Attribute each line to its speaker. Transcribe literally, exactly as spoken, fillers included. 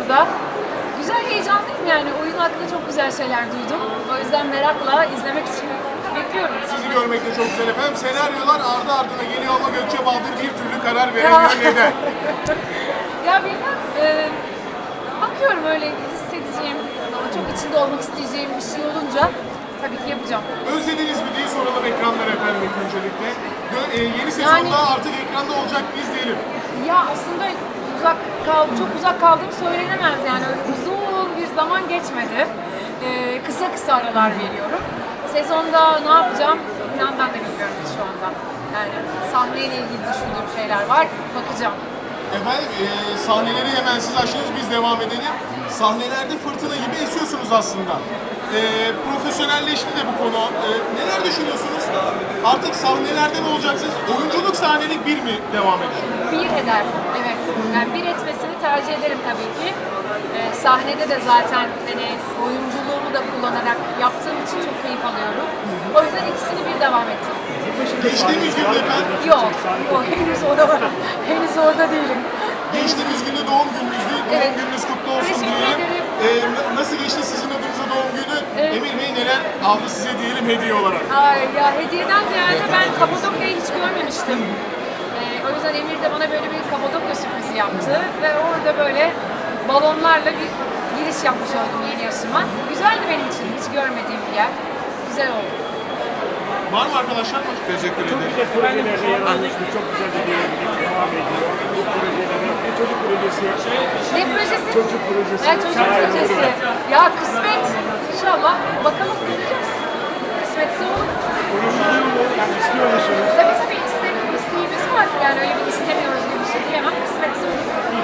Speaker 1: burada. Güzel, heyecanlıyım yani. Oyun hakkında çok güzel şeyler duydum. O yüzden merakla izlemek için bekliyorum.
Speaker 2: Sizi görmek de çok güzel efendim. Senaryolar ardı ardına geliyor ama Gökçe Baldır bir türlü karar veremiyor. Neden?
Speaker 1: Ya bilmem, e, bakıyorum öyle hissedeceğim, çok içinde olmak isteyeceğim bir şey olunca tabii ki yapacağım.
Speaker 2: Özlediniz mi diye soralım ekranlara efendim ilk öncelikle. Dö- e, yeni sezonda
Speaker 1: Yani-
Speaker 2: artık ekranda olacak mı izleyelim.
Speaker 1: Ya aslında uzak kal, çok uzak kaldığım söylenemez yani öyle uzun bir zaman geçmedi. E, kısa kısa aralar veriyorum. Sezonda ne yapacağım inan ben de bilmiyorum şu anda. Yani sahneyle ilgili düşündüğüm şeyler var, bakacağım.
Speaker 2: Efendim e, sahneleri hemen siz açtınız, biz devam edelim. Sahnelerde fırtına gibi esiyorsunuz aslında. E, profesyonelleşti de bu konu. E, neler düşünüyorsunuz? Artık sahnelerde ne olacaksınız? Oyunculuk sahnelik bir mi devam edecek?
Speaker 1: Bir eder, evet. Yani bir etmesini tercih ederim tabii ki. Ee, sahnede de zaten hani oyunculuğumu da kullanarak yaptığım için çok keyif alıyorum. O yüzden ikisini bir devam ettim.
Speaker 2: Geçtiğimiz gün efendim,
Speaker 1: Yok, yok henüz orada, henüz orada değilim.
Speaker 2: geçtiğimiz günde doğum gününüzdü. Doğum
Speaker 1: Evet.
Speaker 2: gününüz kutlu olsun
Speaker 1: Teşekkür
Speaker 2: diyelim.
Speaker 1: ederim.
Speaker 2: E, n- nasıl geçti sizin adınıza doğum günü?
Speaker 1: Evet.
Speaker 2: Emir Bey neler aldı size diyelim hediye olarak?
Speaker 1: Ay ya hediyeden ziyade ben Kapadokya'yı hiç görmemiştim. Ee, o yüzden Emir de bana böyle bir Kapadokya sürprizi yaptı ve orada böyle balonlarla bir giriş yapmış oldum yeni yaşıma. Güzeldi benim için, hiç görmediğim bir yer. Güzel oldu.
Speaker 2: Var mı arkadaşlar? Teşekkür
Speaker 3: Çok güzel projelerde yer almıştı. Çok güzel videolar devam ediyor. Bu projelerde bir çocuk projesi.
Speaker 1: Ne projesi?
Speaker 3: Çocuk projesi.
Speaker 1: Ya çocuk
Speaker 3: Şahane
Speaker 1: projesi.
Speaker 3: olur.
Speaker 1: Ya kısmet. İnşallah. Bakalım göreceğiz. Kısmetse olur.
Speaker 3: Konuşuluyor mu? Yani istiyor musunuz?
Speaker 1: Tabii tabii istek, isteğimiz var. Yani öyle bir istemiyoruz